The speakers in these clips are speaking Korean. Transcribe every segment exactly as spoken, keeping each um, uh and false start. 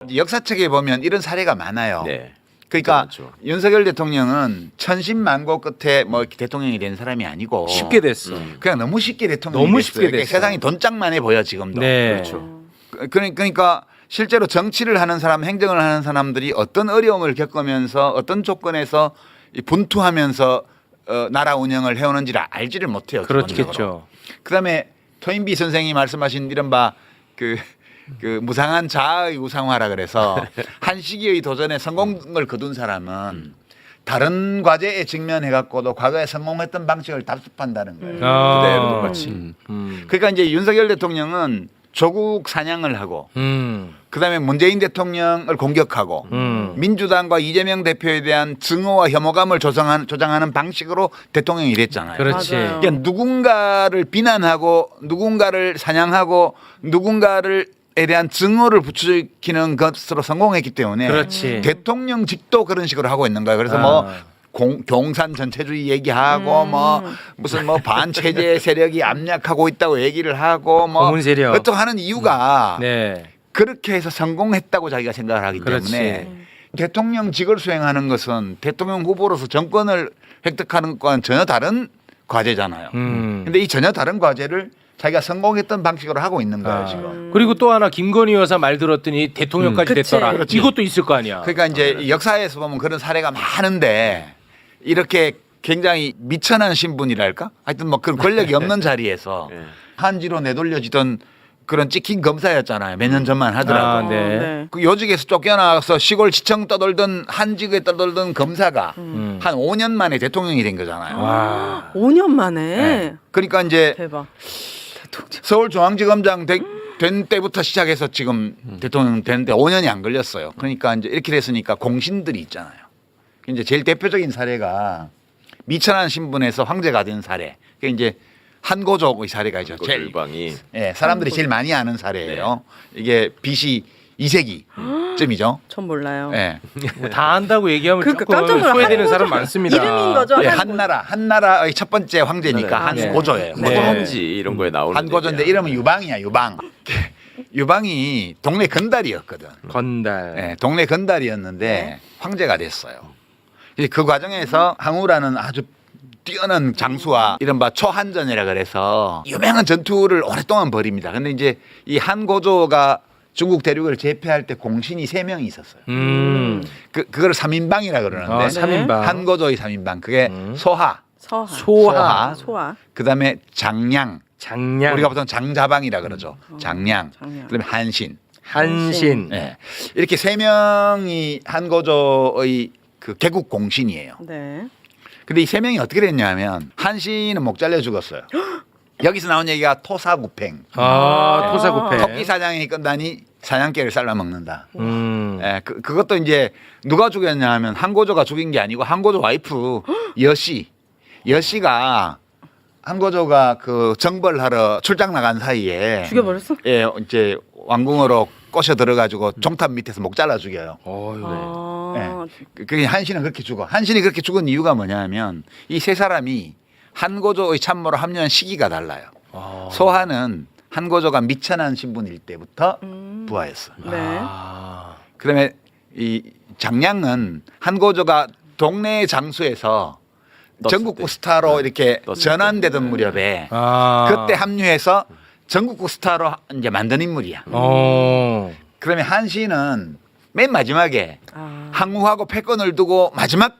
이제 역사책에 보면 이런 사례가 많아요. 네. 그러니까 그렇죠. 윤석열 대통령은 천신만고 끝에 뭐 대통령이 된 사람이 아니고 쉽게 됐어. 음. 그냥 너무 쉽게 대통령이 너무 됐어요. 쉽게 그러니까 됐어요. 세상이 돈짝만해 보여 지금도. 네. 그렇죠. 그- 그러니까 실제로 정치를 하는 사람, 행정을 하는 사람들이 어떤 어려움을 겪으면서 어떤 조건에서 이 분투하면서 어, 나라 운영을 해오는지를 알지를 못해요. 그렇겠죠. 그다음에 토인비 선생이 말씀하신 이른바 그, 그 무상한 자아의 우상화라 그래서 한 시기의 도전에 성공을 거둔 사람은 다른 과제에 직면해 갖고도 과거에 성공했던 방식을 답습한다는 거예요. 아. 그대로 똑같이. 음. 음. 그러니까 이제 윤석열 대통령은 조국 사냥을 하고 음. 그다음에 문재인 대통령을 공격하고 음. 민주당과 이재명 대표에 대한 증오와 혐오감을 조성하는, 조장하는 방식으로 대통령이 됐잖아요. 그렇지. 맞아요. 그러니까 누군가를 비난하고 누군가를 사냥하고 누군가를 에 대한 증오를 부추기는 것으로 성공했기 때문에 그렇지. 대통령직도 그런 식으로 하고 있는 거예요. 그래서 아. 뭐 공, 경산 전체주의 얘기하고 음. 뭐 무슨 뭐 반체제 세력이 압력하고 있다고 얘기를 하고 뭐 고문 세력. 어떤 하는 이유가 네. 그렇게 해서 성공했다고 자기가 생각을 하기 그렇지. 때문에 대통령직을 수행하는 것은 대통령 후보로서 정권을 획득하는 것과는 전혀 다른 과제잖아요. 음. 근데 이 전혀 다른 과제를 자기가 성공했던 방식으로 하고 있는 거예요 아. 지금. 그리고 또 하나 김건희 여사 말 들었더니 대통령까지 음. 그치. 됐더라. 그렇지. 이것도 있을 거 아니야. 그러니까 이제 역사에서 보면 그런 사례가 많은데 이렇게 굉장히 미천한 신분이랄까? 하여튼 뭐 그런 권력이 없는 자리에서 네. 한지로 내돌려지던 그런 찍힌 검사였잖아요. 몇 년 전만 하더라도. 아, 네. 네. 그 요직에서 쫓겨나서 시골 지청 떠돌던 한직에 떠돌던 검사가 음. 한 오 년 만에 대통령이 된 거잖아요. 와. 오 년 만에. 네. 그러니까 이제 대박. 서울중앙지검장 되- 된 때부터 시작해서 지금 대통령 되는데 오 년이 안 걸렸어요. 그러니까 이제 이렇게 됐으니까 공신들이 있잖아요. 이제 제일 대표적인 사례가 미천한 신분에서 황제가 된 사례. 그게 이제 한고족의 사례가 있죠. 제일 일방이 예, 사람들이 제일 많이 아는 사례예요. 이게 비씨 이 세기쯤이죠. 전 몰라요. 예. 다 안다고 얘기하면 그러니까 조금 깜짝 놀라. 소외되는 한고조- 사람 많습니다. 이름인 거죠? 예, 한고- 한나라 한나라의 첫 번째 황제니까 네. 한고조예요. 네. 고조 한지 이런 거에 나오는 한고조인데 얘기야. 이름은 유방이야 유방. 유방이 동네 건달이었거든. 건달. 예, 동네 건달이었는데 황제가 됐어요. 이제 그 과정에서 항우라는 아주 뛰어난 장수와 이른바 초한전이라 그래서 유명한 전투를 오랫동안 벌입니다. 근데 이제 이 한고조가 중국 대륙을 제패할 때 공신이 세 명이 있었어요. 음. 그 그걸 삼인방이라 그러는데 아, 삼인방. 한고조의 삼인방 그게 음. 소하, 서하. 소하. 소하. 그다음에 장량, 장량. 우리가 보통 장자방이라 그러죠. 장량, 장량. 그다음에 한신. 한신. 예. 이렇게 세 명이 한고조의 그 개국 공신이에요. 네. 근데 이 세 명이 어떻게 됐냐면 한신은 목 잘려 죽었어요. 여기서 나온 얘기가 토사구팽. 아, 토사구팽. 토끼 사냥이 끝나니 사냥개를 잘라 먹는다. 음. 예, 그, 그것도 이제 누가 죽였냐 하면 한고조가 죽인 게 아니고 한고조 와이프 여씨. 여씨가 한고조가 그 정벌하러 출장 나간 사이에 죽여버렸어? 예, 이제 왕궁으로 꼬셔 들어가지고 종탑 밑에서 목 잘라 죽여요. 어휴. 아, 그- 그 한신은 그렇게 죽어. 한신이 그렇게 죽은 이유가 뭐냐면 이 세 사람이 한고조의 참모로 합류한 시기가 달라요. 아. 소하는 한고조가 미천한 신분일 때부터 음. 부하였어. 네. 아. 그다음에 이 장량은 한고조가 동네 장수에서 떴을 전국구 때. 스타로 이렇게 떴을 전환되던 무렵에 아. 그때 합류해서 전국구 스타로 이제 만든 인물이야. 어. 그다음에 한신은 맨 마지막에 아. 항우하고 패권을 두고 마지막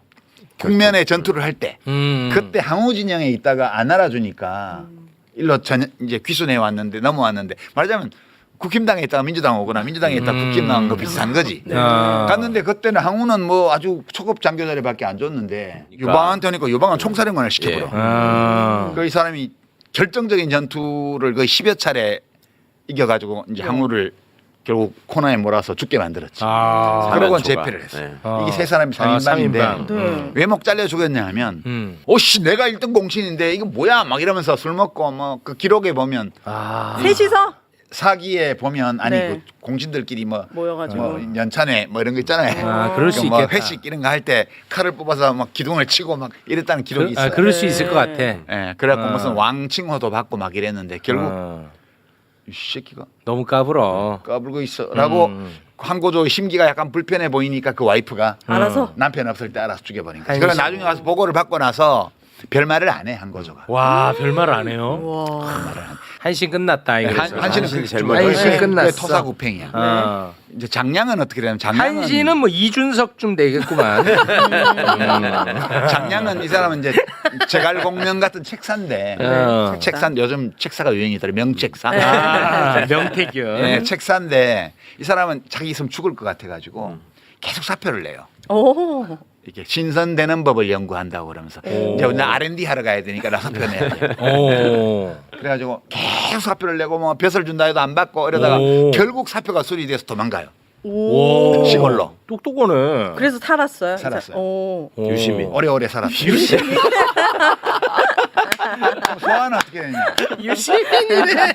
국면의 전투를 할 때 음. 그때 항우 진영에 있다가 안 알아주니까 일로 전 이제 귀순해 왔는데 넘어왔는데 말하자면 국힘당에 있다가 민주당 오거나 민주당에 있다가 음. 국힘 나온 거 비슷한 거지. 아. 갔는데 그때는 항우는 뭐 아주 초급 장교 자리밖에 안 줬는데 그러니까. 유방한테 오니까 유방은 총사령관을 시켜버려. 예. 아. 그 이 사람이 결정적인 전투를 거의 십여 차례 이겨가지고 이제 항우를 결국 코너에 몰아서 죽게 만들었지. 아. 그러고 사면초가. 제패를 했어요. 네. 아. 이게 세 사람이 아, 삼인방인데 삼인방. 네. 음. 왜 목 잘려 죽였냐 하면 음. 오씨 내가 일 등 공신인데 이거 뭐야 막 이러면서 술 먹고 뭐 그 기록에 보면 아. 셋이서 사기에 보면 아니 네. 그 공신들끼리 뭐, 모여가지고. 뭐 연찬회 뭐 이런 거 있잖아요. 아, 그럴 수 그 뭐 있겠다. 회식 이런 거 할 때 칼을 뽑아서 막 기둥을 치고 막 이랬다는 기록이 그, 있어요. 아, 그럴 수 네. 있을 것 같아. 예, 그래갖고 아. 무슨 왕칭호도 받고 막 이랬는데 결국 어. 이 새끼가 너무 까불어. 까불고 있어라고 음. 한고조 심기가 약간 불편해 보이니까 그 와이프가 알아서 남편 없을 때 알아서 죽여버린 거야. 한심. 그래서 나중에 와서 보고를 받고 나서 별말을 안 해 한고조가. 와, 별말 안 해요. 와. 한신 끝났다 이거. 한, 한신은 한신이 그 제일 죽어요. 먼저 네, 끝났어. 그게 토사구팽이야. 아. 이제 장량은 어떻게 되냐면 장량은 한신은 뭐 이준석 좀 되겠구만. 음. 장량은 이 사람은 이제 제갈공명 같은 책사인데 어. 책사 요즘 책사가 유행이더라 명책사. 아, 명태균. 네, 책사인데 이 사람은 자기 있으면 죽을 것 같아가지고 계속 사표를 내요. 오. 이렇게 신선되는 법을 연구한다고 그러면서 오. 이제 나 알 앤 디 하러 가야 되니까 나 사표 내야 돼. 오. 그래가지고 계속 사표를 내고 뭐 벼슬 준다 해도 안 받고 이러다가 오. 결국 사표가 수리돼서 도망가요. 오. 오. 시골로. 똑똑하네. 그래서 살았어요. 살았어요. 오. 오. 유심히. 오래오래 살았어요. 소아는 어떻게 되냐? 유시민이네.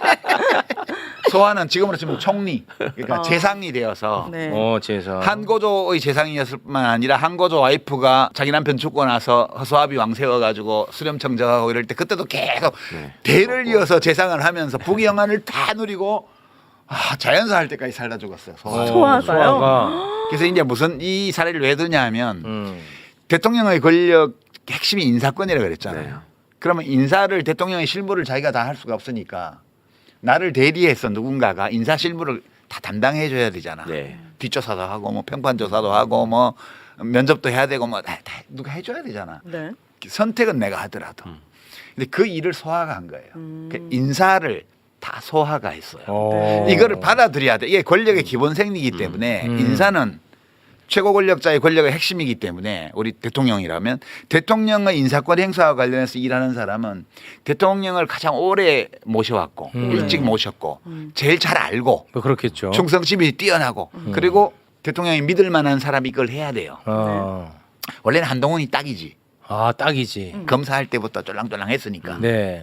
소아는 지금으로 치면 총리, 그러니까 어. 재상이 되어서 네. 어, 재산. 한고조의 재상이었을 뿐만 아니라 한고조 와이프가 자기 남편 죽고 나서 허수아비 왕 세워가지고 수렴청 정하고 이럴 때 그때도 계속 네. 대를 이어서 재상을 하면서 부귀영화를 다 누리고 아, 자연사 할 때까지 살다 죽었어요. 소아. 어, 소아가요? 소아가. 그래서 이제 무슨 이 사례를 왜 드냐면 음. 대통령의 권력 핵심이 인사권이라고 그랬잖아요. 네. 그러면 인사를 대통령의 실무를 자기가 다 할 수가 없으니까 나를 대리해서 누군가가 인사 실무를 다 담당해 줘야 되잖아. 네. 뒷조사도 하고 뭐 평판 조사도 하고 뭐 면접도 해야 되고 뭐 다, 다 누가 해 줘야 되잖아. 네. 선택은 내가 하더라도. 근데 그 일을 소화가 한 거예요. 음. 그 인사를 다 소화가 했어요. 어. 이거를 받아들여야 돼. 이게 권력의 기본 생리이기 때문에 음. 인사는 최고 권력자의 권력의 핵심이기 때문에 우리 대통령이라면 대통령의 인사권 행사와 관련해서 일하는 사람은 대통령을 가장 오래 모셔왔고 음. 일찍 모셨고 제일 잘 알고 뭐 그렇겠죠. 충성심이 뛰어나고 그리고 대통령이 믿을 만한 사람이 이걸 해야 돼요. 어. 원래는 한동훈이 딱이지. 아, 딱이지. 검사할 때부터 쫄랑쫄랑 했으니까. 네.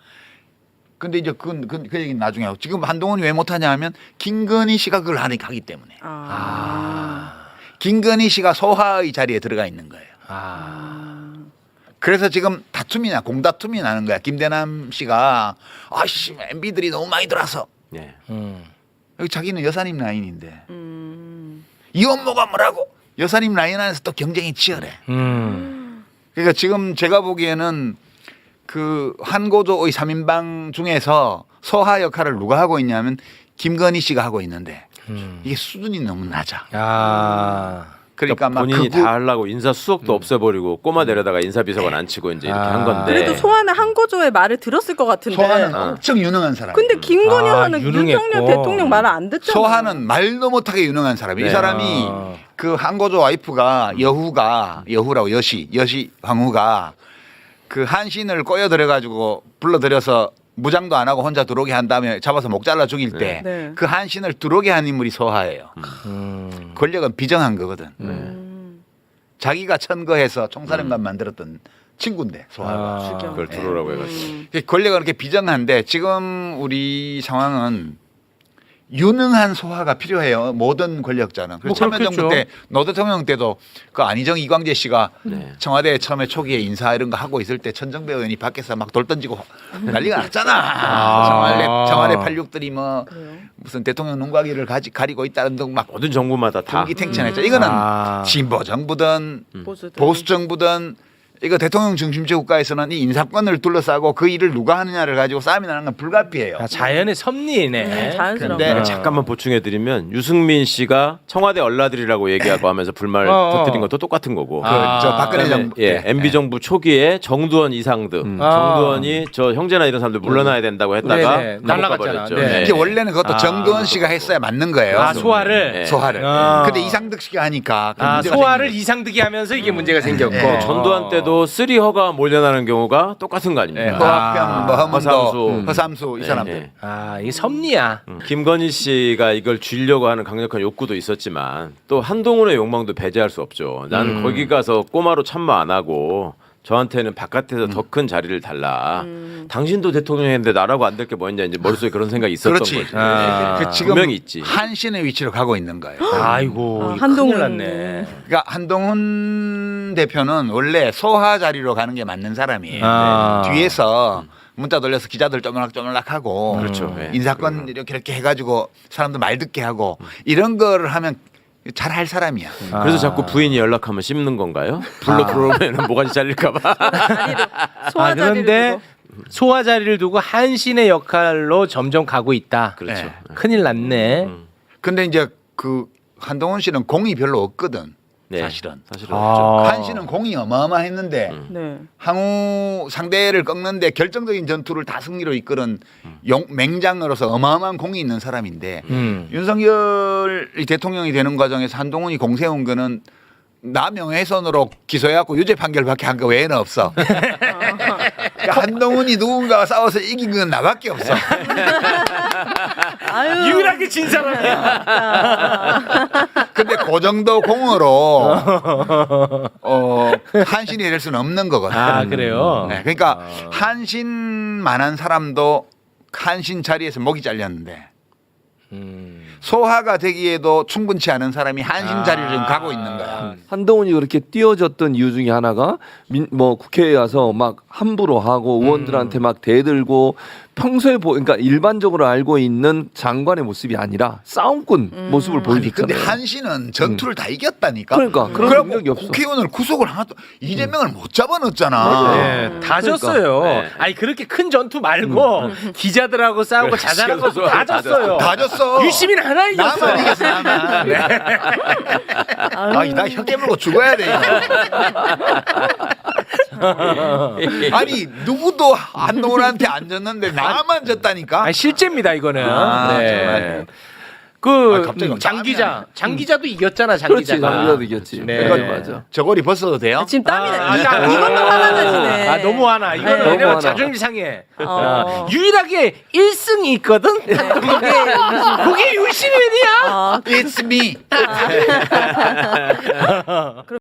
근데 이제 그건 그, 그 얘기는 나중에 하고 지금 한동훈이 왜 못하냐 하면 김건희 씨가 그걸 하니까 하기 때문에. 아. 김건희 씨가 소하의 자리에 들어가 있는 거예요. 아. 그래서 지금 다툼이 나 공다툼이 나는 거야. 김대남 씨가 아씨 엠비들이 너무 많이 들어와서 네. 음. 여기 자기는 여사님 라인인데 음. 이 업무가 뭐라고 여사님 라인 안에서 또 경쟁이 치열해. 음. 그러니까 지금 제가 보기에는 그 한고조의 삼 인방 중에서 소하 역할을 누가 하고 있냐면 김건희 씨가 하고 있는데 음. 이게 수준이 너무 낮아. 아. 그러니까 막 본인이 극우- 다 하려고 인사 수석도 없애버리고 꼬마 데려다가 인사비서관 안 치고 이제 이렇게 아. 한 건데. 그래도 소아는 한고조의 말을 들었을 것 같은데. 소하는 어. 엄청 유능한 사람. 근데 김건희 아, 하는 유능했고. 윤석열 대통령 말을 안 듣잖아. 소하는 말도 못하게 유능한 사람이에요. 이 네. 사람이 아. 그 한고조 와이프가 여후가 여후라고 여시 여시 황후가 그 한신을 꼬여들여 가지고 불러들여서 무장도 안 하고 혼자 들어오게 한 다음에 잡아서 목 잘라 죽일 때 그 네. 한신을 들어오게 한 인물이 소하예요. 음. 권력은 비정한 거거든. 음. 자기가 천거해서 총사령관 만들었던 친구인데 소하가. 아. 그걸 들어오라고 해가지고. 음. 권력은 그렇게 비정한데 지금 우리 상황은 유능한 소화가 필요해요. 모든 권력자는. 그래서 뭐 참여정부 그렇겠죠. 때 노 대통령 때도 그 안희정 이광재 씨가 네. 청와대 처음에 초기에 인사 이런 거 하고 있을 때 천정배 의원이 밖에서 막 돌 던지고 난리가 났잖아. 아. 청와대 청와대 팔십육들이 뭐 그래요? 무슨 대통령 눈가기를 가지, 가리고 있다는 등 막 모든 정부마다 다. 공기탱천했죠. 이거는 아. 진보 정부든 보수들. 보수 정부든 이거 대통령 중심제 국가에서는 이 인사권을 둘러싸고 그 일을 누가 하느냐를 가지고 싸움이 나는 건 불가피해요. 아, 자연의 섭리네. 음, 자연스러운 근데 거. 잠깐만 보충해드리면 유승민 씨가 청와대 얼라들이라고 얘기하고 하면서 불만을 어, 어. 터뜨린 것도 똑같은 거고. 그 아. 저 박근혜 그다음에 정부 예, 때. 엠비 정부 초기에 정두원 이상득, 아. 정두원이 저 형제나 이런 사람들 물러나야 된다고 했다가 네네, 감옥 날라갔잖아. 가버렸죠. 네. 예. 이게 원래는 그것도 아. 정두원 씨가 했어야 맞는 거예요. 아, 소화를. 예. 소화를. 아. 근데 이상득 씨가 하니까 그 아, 문제가 소화를 생긴 이상득이 하면서 이게 문제가 생겼고. 예. 전두환 때도 쓰리허가 몰려나는 경우가 똑같은 거 거예요. 예, 아닙니까? 허학평, 아. 뭐 허문도, 허삼수. 허삼수 이 예, 사람들. 예. 아, 이게 섭리야. 음. 김건희 씨가 이걸 쥐려고 하는 강력한 욕구도 있었지만 또 한동훈의 욕망도 배제할 수 없죠. 나는 음. 거기 가서 꼬마로 참모 안 하고 저한테는 바깥에서 더 큰 자리를 달라. 당신도 대통령인데 나라고 안 될 게 뭐였냐 이제 머릿속에 그런 생각이 있었던 그렇지. 거지. 아. 그 지금 분명히 있지. 한신의 위치로 가고 있는 거예요. 아이고, 아, 이거 한동훈. 큰일 났네. 그러니까 한동훈 대표는 원래 소하 자리로 가는 게 맞는 사람이에요. 아. 뒤에서 문자 돌려서 기자들 쪼물락쪼물락하고 그렇죠. 예. 인사권 이렇게 이렇게 해가지고 사람들 말 듣게 하고 이런 거를 하면 잘할 사람이야. 그래서 아. 자꾸 부인이 연락하면 씹는 건가요? 불러 들어오면 모가지 잘릴까봐. 소화 아, 자리를 그런데 두고. 소화 자리를 두고 한신의 역할로 점점 가고 있다. 그렇죠. 네. 큰일 났네. 음. 근데 이제 그 한동훈 씨는 공이 별로 없거든. 네. 사실은. 사실은 아. 없죠. 한 씨는 공이 어마어마했는데 음. 네. 항우 상대를 꺾는데 결정적인 전투를 다 승리로 이끄는 용, 맹장으로서 어마어마한 공이 있는 사람인데 음. 윤석열이 대통령이 되는 과정에서 한동훈이 공 세운 거는 나 명예훼손으로 기소해갖고 유죄 판결밖에 한 거 외에는 없어. 그러니까 한동훈이 누군가와 싸워서 이긴 건 나밖에 없어. 아유. 유일하게 진 사람이야. 근데 그 정도 공으로 어, 한신이 될 수는 없는 거거든. 아 그래요. 네, 그러니까 한신만한 사람도 한신 자리에서 목이 잘렸는데 음. 소화가 되기에도 충분치 않은 사람이 한신 아. 자리를 지금 가고 있는 거야. 한동훈이 그렇게 띄워졌던 이유 중에 하나가 민, 뭐 국회에 와서 막 함부로 하고 의원들한테 막 대들고 평소에 보 그러니까 일반적으로 알고 있는 장관의 모습이 아니라 싸움꾼 모습을 아니 보여줬잖아요. 근데 한신은 전투를 다 이겼다니까. 그러니까 그런 그래갖고 능력이 없어. 국회의원을 구속을 하나도 이재명을 못 잡아넣었잖아. 맞아요. 네, 다 그러니까. 졌어요. 네. 아니 그렇게 큰 전투 말고 기자들하고 싸우고 그래, 자잘한 시간 거 다 다 졌어요. 다 졌어. 유시민 하나 이겼어. 나만 이겼어 나만. 네. 아, 나 혀 깨물고 죽어야 돼 이거. 아니 누구도 한동훈한테 안 졌는데 나만 졌다니까. 아니, 실제입니다 이거는. 아, 네. 정말. 그 아, 갑자기 막 장 땀이 기자, 나네. 장 기자도 이겼잖아. 장 그렇지 기자가. 장기자도 이겼지. 네. 맞아 맞아. 저고리 벗어도 돼요? 지금 땀이 나. 아, 아, 이걸로 화나시네. 아 너무 화나. 이거는 네. 왜냐면 너무 자존심 상해. 어. 아, 유일하게 일 승이 있거든. 네, 그게 그게 유시민이야. 아, It's me.